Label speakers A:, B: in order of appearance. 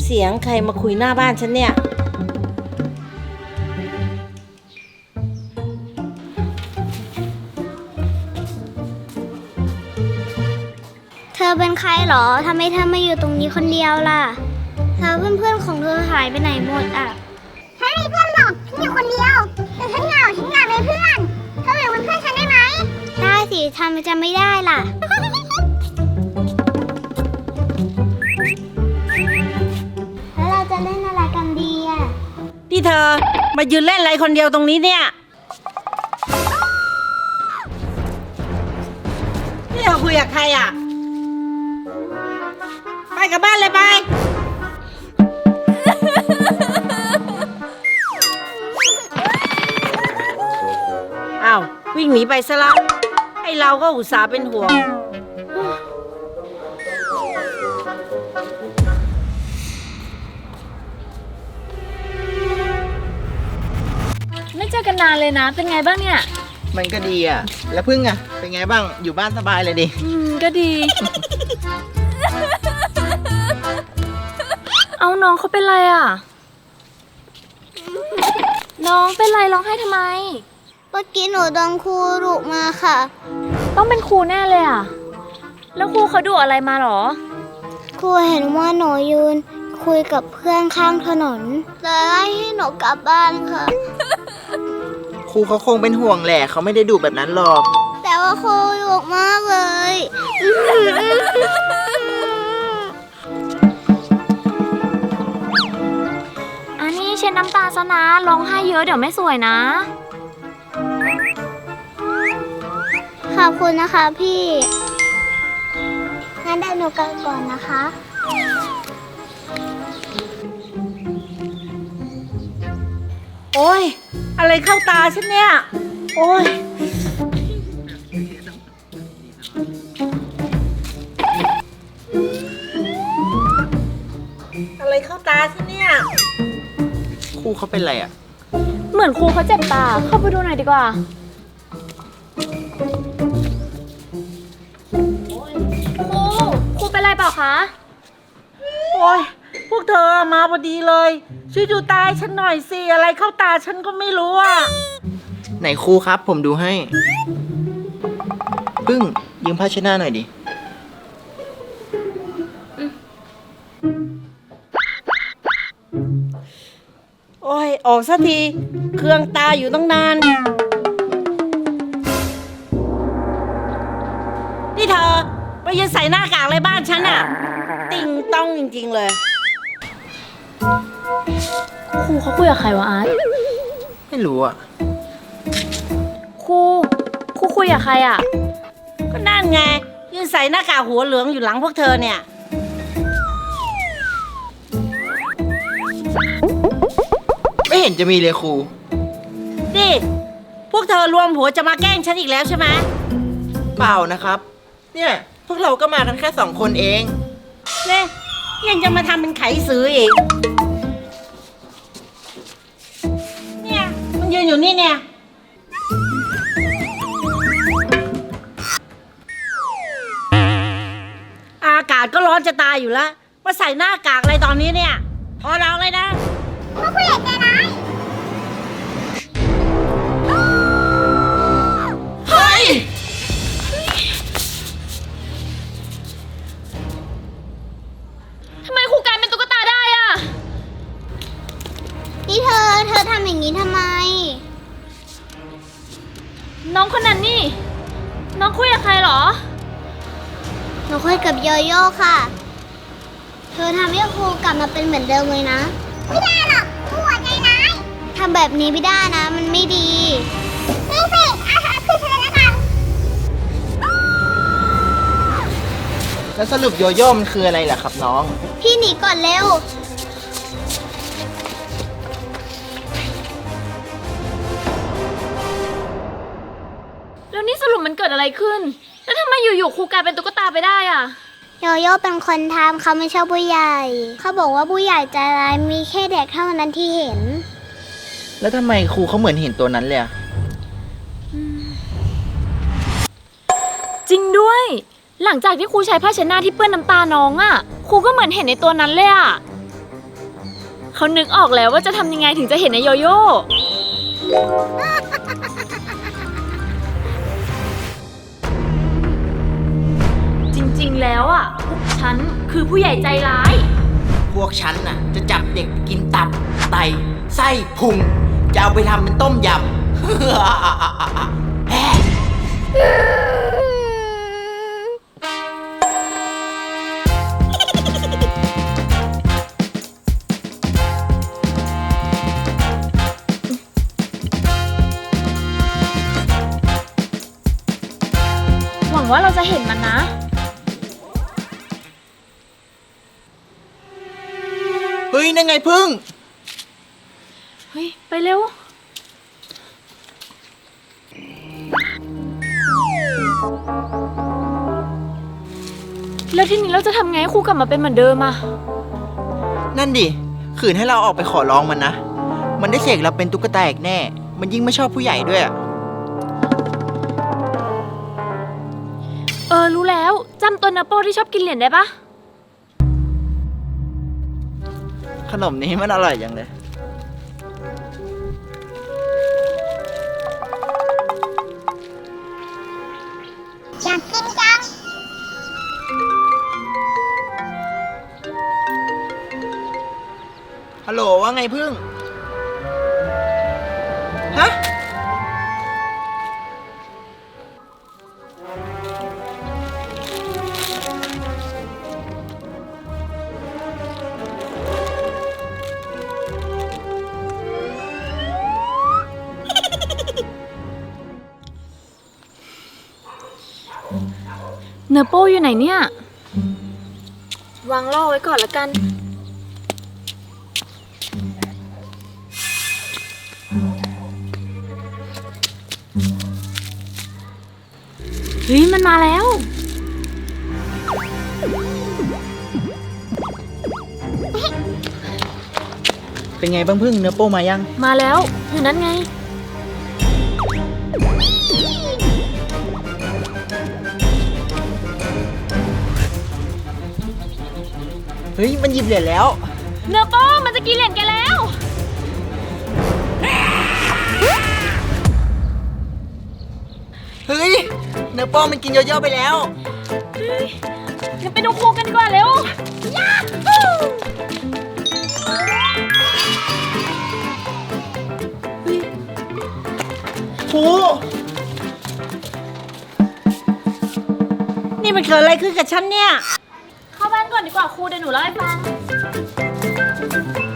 A: เสียงใครมาคุยหน้าบ้านฉันเนี่ย
B: เธอเป็นใครหรอทำไมเธอมาอยู่ตรงนี้คนเดียวล่ะแล้วเพื่อนๆของเธอหายไปไหนหมดอ่ะฉันมีเพื่อนหรอกฉันอยู่คนเดียวแต่ฉันเหงาฉันอยากมีเพื่อนเธออยู่เป็นเพื่อนฉันได้ไหมได้สิทำไมจะไม่ได้ล่ะแล้วเราจะเล่นอะไรกันดีอ่ะ
A: นี่เธอมายืนเล่นอะไรคนเดียวตรงนี้เนี่ยนี่เธอคุยกับใครอ่ะไปกลับบ้านเลยไปอ้าววิ่งหนีไปซะละไอเราก็อุตส่าห์เป็นห่วง
C: ไม่เจอกันนานเลยนะ เป็นไงบ้างเนี่ย
D: มันก็ดีอ่ะ แล้วพึ่งอ่ะ เป็นไงบ้าง อยู่บ้านสบายเลยดิ
C: ก็ดี เอาน้องเขาเป็นไรอ่ะ น้องเป็นไรร้องไห้ทำไม
B: เมื่อกี้หนูโดนครูดุมาค่ะ
C: ต้องเป็นครูแน่เลยอ่ะ แล้วครูเขาดุอะไรมาหรอ
B: ครูเห็นว่าหนูยืนคุยกับเพื่อนข้างถนนเลยไล่ให้หนูกลับบ้านค่ะ
D: ครูเขาคงเป็นห่วงแหละเขาไม่ได้ดุแบบนั้นหรอก
B: แต่ว่าครูดุมากเลย
C: อันนี้เช็ดน้ำตาซะนะร้องไห้เยอะเดี๋ยวไม่สวยนะ
B: ขอบคุณนะคะพี่งั้นเดี๋ยวหนูกลับก่อนนะคะ
A: โอ้ยอะไรเข้าตาฉันเนี่ยโอ้ยอะไรเข้าตาฉันเนี่ย
D: ครูเขาเป็นไรอ่ะ
C: เหมือนครูเขาเจ็บตา เข้าไปดูหน่อยดีกว่า ครูเป็นไรเปล่าคะ
A: โอ้ยพวกเธอมาพอดีเลยช่วยดูตาฉันหน่อยสิอะไรเข้าตาฉันก็ไม่รู้อ่ะ
D: ไหนครูครับ ผมดูให้ พึ่งยืมผ้าเช็ดหน้าหน่อยดิ
A: โอ้ยออกสักทีเครื่องตาอยู่ตั้งนานนี่เธอไปยืนใส่หน้ากากอะไรบ้านฉันอ่ะติงต้องจริงๆเลย
C: ครูเขาคุยกับใครวะอาร์ต
D: ไม่รู้อ่ะ
C: ครูคุยกับใครอ่ะ
A: ก็นั่นไงยืนใส่หน้ากากหัวเหลืองอยู่หลังพวกเธอเนี่ย
D: ไม่เห็นจะมีเลยครู
A: นี่พวกเธอรวมหัวจะมาแกล้งฉันอีกแล้วใช่ไหม
D: เปล่านะครับ เนี่ยพวกเราก็มากันแค่2 คนเอง
A: เนี่ยยังจะมาทำเป็นไขสืออีกเนี่ยมันยืนอยู่นี่เนี่ยอากาศก็ร้อนจะตายอยู่แล้วมาใส่หน้ากากอะไรตอนนี้เนี่ยพอเราเลยนะพวกผู้ใหญ่ใจร้ายเฮ้ย
C: ทำไมครูกลายเป็นตุ๊กตาได้อ่ะ
B: นี่เธอทำอย่างนี้ทำไม
C: น้องคนนั้นนี่ น้องคุยกับใครเหรอ
B: หนูคุยกับโยโย่ค่ะ เธอทำให้ครูกลับมาเป็นเหมือนเดิมเลยนะ ไม่ได้หรอกครูหัวใจร้ายทำแบบนี้ไม่ได้นะ มันไม่ดีนี่สิคือเธอแล้วกัน
D: แล้วสรุปโยโย่มันคืออะไรล่ะครับน้อง
B: พี่หนีก่อนเร็ว
C: แล้วนี่สรุปมันเกิดอะไรขึ้น แล้วทำไมอยู่ๆครูกลายเป็นตุ๊กตาไปได้อ่ะ
B: โยโย่เป็นคนทำเขาไม่ชอบผู้ใหญ่ เขาบอกว่าผู้ใหญ่ใจร้ายมีแค่เด็กเท่านั้นที่เห็น
D: แล้วทำไมครูเขาเหมือนเห็นตัวนั้นเลยอะ
C: จริงด้วย หลังจากที่ครูใช้ผ้าเช็ดหน้าที่เปื้อนน้ำตาน้องอ่ะ ครูก็เหมือนเห็นในตัวนั้นเลยอ่ะเขานึกออกแล้วว่าจะทำยังไงถึงจะเห็นไอโยโย่จริงๆแล้วอ่ะพวกฉันคือผู้ใหญ่ใจร้าย
D: พวกฉันน่ะจะจับเด็กไปกินตับ ไต ไส้ พุง จะเอาไปทำเป็นต้มยำ แฮ่
C: หวังว่าเราจะเห็นมันนะ
D: เฮ้ย นั่นไงพึ่ง
C: เฮ้ย ไปเร็ว แล้วทีนี้เราจะทำไงให้ครูกลับมาเป็นเหมือนเดิมอะ
D: นั่นดิ ขืนให้เราออกไปขอร้องมันนะ มันได้เสกเราเป็นตุ๊กตาอีกแน่ มันยิ่งไม่ชอบผู้ใหญ่ด้วยอะ
C: รู้แล้วจำตัวนาโปที่ชอบกินเหรียญได้ปะ
D: ขนมนี้มันอร่อยจังเลย
B: อยากกินจัง
D: ฮัลโหลว่าไงพึ่ง ฮะ
C: เนอโปอยู่ไหนเนี่ย วางล่อไว้ก่อนละกัน เฮ้ย มันมาแล้ว
D: เป็นไงบ้างพึ่งเนื้อโป้มายัง
C: มาแล้ว อยู่นั้นไง
D: เฮ้ย มันหยิบเหรียญแล้ว
C: เนอโปมันจะกินเหรียญแกแล้ว
D: เฮ้ย เนื้อโป้มันกินโยโย่ไปแล้ว
C: งั้นไปดูครูกันดีกว่าเร็ว
D: ครู
A: นี่มันเกิดอะไรขึ้นกับฉันเนี่ย
C: เข้าบ้านก่อนดีกว่าครูเดี๋ยวหนูเล่าให้ฟัง